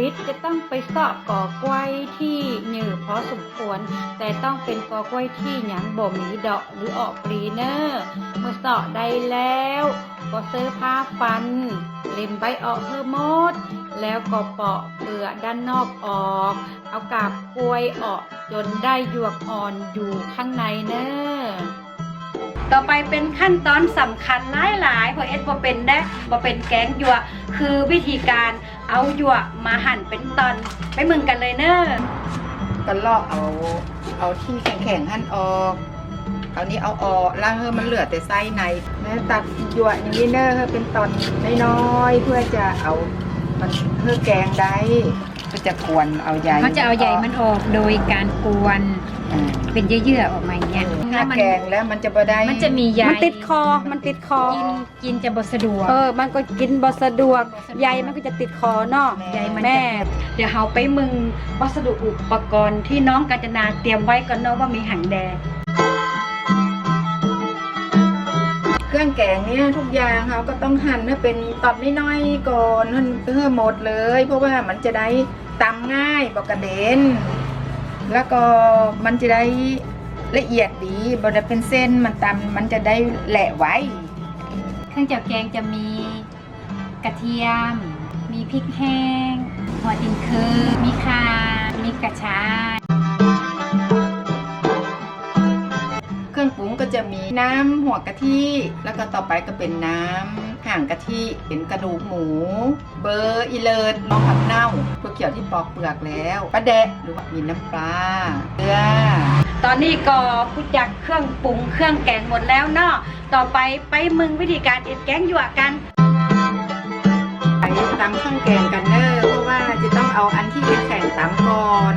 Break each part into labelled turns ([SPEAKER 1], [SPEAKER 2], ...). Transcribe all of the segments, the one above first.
[SPEAKER 1] ตจะต้องไปเสาะกอกล้วยที่หนือพอสมควรแต่ต้องเป็นกอกล้วยที่หยังบ่มีดอกหรือออกปลีเนอร์เมื่อเสาะได้แล้วก็ซื้อผ้าฟันเล็มใบออกเพื่อหมดแล้วก็เปาะเปลือกด้านนอกออกเอากาบกล้วยออกจนได้หยวกอ่อนอยู่ข้างในเนอต่อไปเป็นขั้นตอนสำคัญหลายๆเพราะเอ็ดบ่เป็นได้บ่เป็นแกงหยวกคือวิธีการเอาหยวกมาหั่นเป็นตอนไปมึงกันเลยเนอ
[SPEAKER 2] ก็ลอกเอาที่แข็งๆหั่นออกเอานี้เอาออกแล้วมันเหลือแต่ไส้ในแล้วตัดหยวกอย่างนี้เนอเป็นตอนน้อยๆเพื่อจะเอามันเพื่อแกงได้ก็จะกวนเอาใย
[SPEAKER 1] เขาจะเอาใยมันออกโดยการกวนเป็นเยื่อๆออกมาอย่างเงี้ย
[SPEAKER 2] ถ้าแกงแล้วมันจะบ่ได้
[SPEAKER 1] มันจะมีใย
[SPEAKER 2] มันติดคอ
[SPEAKER 1] กินจะบ่สะดวก
[SPEAKER 2] มันก็กินบ่สะดวกใยมันก็จะติดคอเนาะ
[SPEAKER 1] ใยมันแม่เดี๋ยวเฮาไปมึงวัสดุอุปกรณ์ที่น้องกาญจนาเตรียมไว้ก่อนเนาะว่ามีหังแดง
[SPEAKER 2] เครื่องแกงเนี่ยทุกอย่างเขาก็ต้องหั่นให้เป็นตอนน้อยๆก่อนหั่นเพื่อหมดเลยเพราะว่ามันจะได้ตำง่ายบ่กระเด็นแล้วก็มันจะได้ละเอียดดีบ่ได้เป็นเส้นมันตำมันจะได้แหละไว้
[SPEAKER 1] เครื่องจับแกงจะมีกระเทียมมีพริกแห้งหัวดินคือมีข่ามีกระชาย
[SPEAKER 2] เครื่องปรุงก็จะมีน้ำหัวกะทิแล้วก็ต่อไปก็เป็นน้ำห่างกะทิเป็นกระดูกหมูเบอร์อีเลิศน้องผักเน่าเพื่อเกี่ยวที่ปอกเปลือกแล้วปลาแดะหรือว่ามีน้ำปลาเกลือ
[SPEAKER 1] ตอนนี้ก็พูดจากเครื่องปรุงเครื่องแกงหมดแล้วเนาะต่อไปมึงวิธีการเอ็ดแกงหยวกกัน
[SPEAKER 2] ไปตำเครื่องแกงกันเนอะเพราะว่าจะต้องเอาอันที่แข็งตำก่อน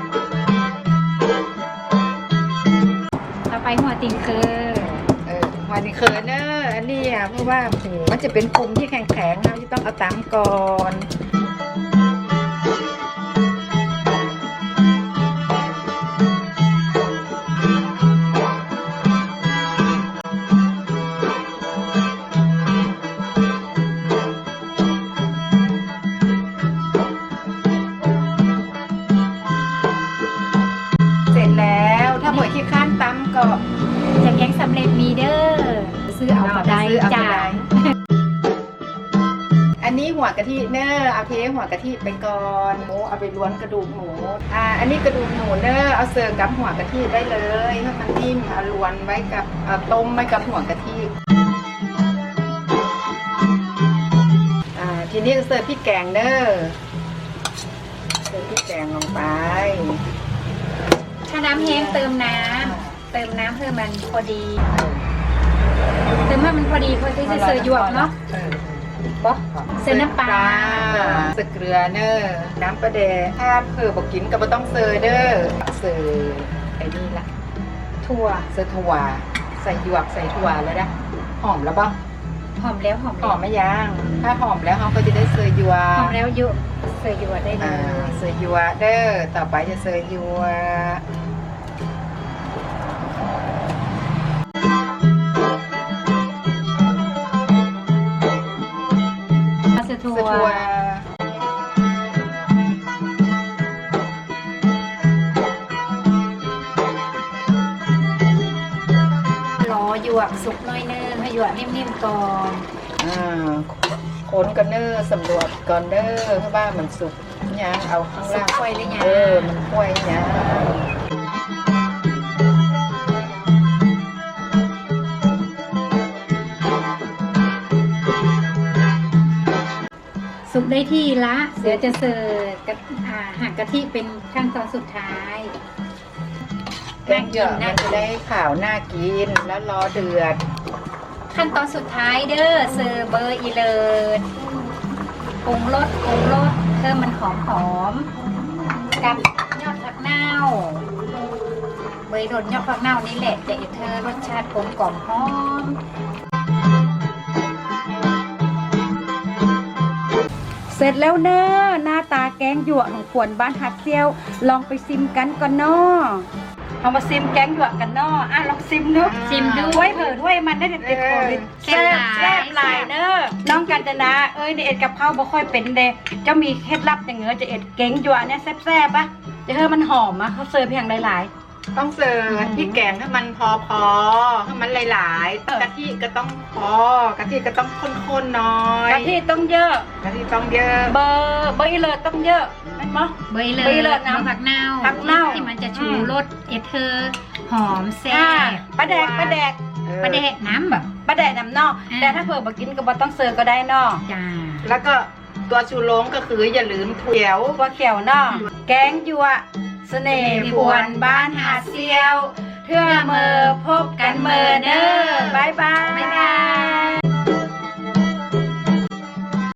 [SPEAKER 1] ไปหัวติงเคอ
[SPEAKER 2] หัวติงเคอเนอะอันนี้เพราะว่ามันจะเป็นปุ่มที่แข็งๆเราจะต้องเอาตำก่อนเสร็จแล้วถ้าหมดขี้ข้านตำก็
[SPEAKER 1] จะแกงสำเร็จมีเด้อซื้อเอาก็ได้จ้า
[SPEAKER 2] อันนี้หัวกะทิเนอเอาเทหัวกะทิไปก่อนหมูเอาไปล้วนกระดูกหมูอันนี้กระดูกหมูเนอเอาเสิร์ฟกับหัวกะทิได้เลยให้มันนิ่มเอาล้วนไว้กับต้มไว้กับหัวกะทิทีนี้เสิร์ฟพริกแกงเนอเสิร์ฟพริกแกงลงไป
[SPEAKER 1] ถ้าน้ำแห้งเติมน้ำเพื่อมันพอดีเติมให้มันพอดีพอที่จะเสิร์ฟหยวกเนาะเสิร์ฟน้ำปลา
[SPEAKER 2] เสิร์ฟเกลือเนอน้ำปลาแดงถ้าเผื่อบอกกินก็ไม่ต้องเสิร์ฟเนอเสิร์ฟไอ้นี่ละ
[SPEAKER 1] ถั่ว
[SPEAKER 2] เสิร์ฟถั่วใส่หยวกใส่ถั่วแล้วนะหอมแล้วบ้าง
[SPEAKER 1] หอมแล้ว
[SPEAKER 2] หอมไม่ยังถ้าหอมแล้วเขาก็จะได้เสิร์ฟหยวก
[SPEAKER 1] หอมแล้วเยอะเสิร์ฟหยวกได้เลย
[SPEAKER 2] เสิร์ฟหยวกเด้อต่อไปจะเสิร์ฟหยวก
[SPEAKER 1] ถั่วรอหยวกสุกน้อยเนอให้หยวกนิ่มๆก่อน
[SPEAKER 2] คนกันเนอสำรวจก่อนเนอเพราะว่ามันสุกยังเอาข้างล่าง
[SPEAKER 1] ค่อยเลยยัง
[SPEAKER 2] มันค่อยยัง
[SPEAKER 1] สุกได้ที่ละเดี๋ยวจะเสิร์ฟกับหั่นกะทิเป็นขั้นตอนสุดท้าย
[SPEAKER 2] แกงหยวกมันจะได้ขาวน่ากินแล้วรอเดือด
[SPEAKER 1] ขั้นตอนสุดท้ายเด้อเสิร์ฟเบอร์อีเลิศปรุงรสเพิ่มมันหอมกับยอดผักเน่าเบอร์รสยอดผักเน่านี่แหละจะเธอรสชาติกลมกล่อมหอมเสร็จแล้วเนอะหน้าตาแกงหยวกของขวนบ้านฮัดเซียวลองไปซิมกันก่อนเนาะเอามาซิมแกงหยวกกันเนาะลองซิมดู
[SPEAKER 3] ซิมดู
[SPEAKER 1] ถ้วยเผิดถ้วยมันได้เด็ดๆโควิดแซ่บหลายเด้อน้องกัญจนาเอ็ดกับข้าวบ่ค่อยเป็นเด้เจ้ามีเคล็ดลับอย่างเงี้ยจะเอ็ดแกงหยวกเนี่ยแซ่บๆปะจะให้มันหอมเขาเสิร์ฟเพียงหลาย
[SPEAKER 2] ต้องเสิร์ฟพริกแกงให้มันพอให้มันหลายๆกะทิก็ต้องพอกะทิก็ต้องข้นๆหน่อย
[SPEAKER 1] ๆกะทิต้องเยอะ
[SPEAKER 2] กะทิต้องเยอะ
[SPEAKER 1] เบอร์อีเลิศต้องเยอะแม่นบ่
[SPEAKER 3] เบยเล
[SPEAKER 1] เบย
[SPEAKER 3] ย
[SPEAKER 1] เลยนะ
[SPEAKER 3] ผักเน่า
[SPEAKER 1] ผักเน่า
[SPEAKER 3] ที่มันจะชูรสเอเธอร์หอมแซ่
[SPEAKER 1] อ่า
[SPEAKER 3] บ
[SPEAKER 1] ปลาแดก
[SPEAKER 3] ประเดะน้ำแบบ
[SPEAKER 1] ปลาแดกน้ำเนอก
[SPEAKER 3] อ่า
[SPEAKER 1] แต่ถ้าเผื่อบ่กินก็บ่ต้องเสิร์ฟก็ได้เนอก
[SPEAKER 3] จ้า
[SPEAKER 2] แล้วก็ตัวชูโรงก็คืออย่าลืมถั่วเขียว
[SPEAKER 1] ตัวเขียวเนอกแกงหยวกเสน่ห์ปวนบ้านหาดเซียว เทื่อเมอพบกันเมอเด้อบ๊ายบาย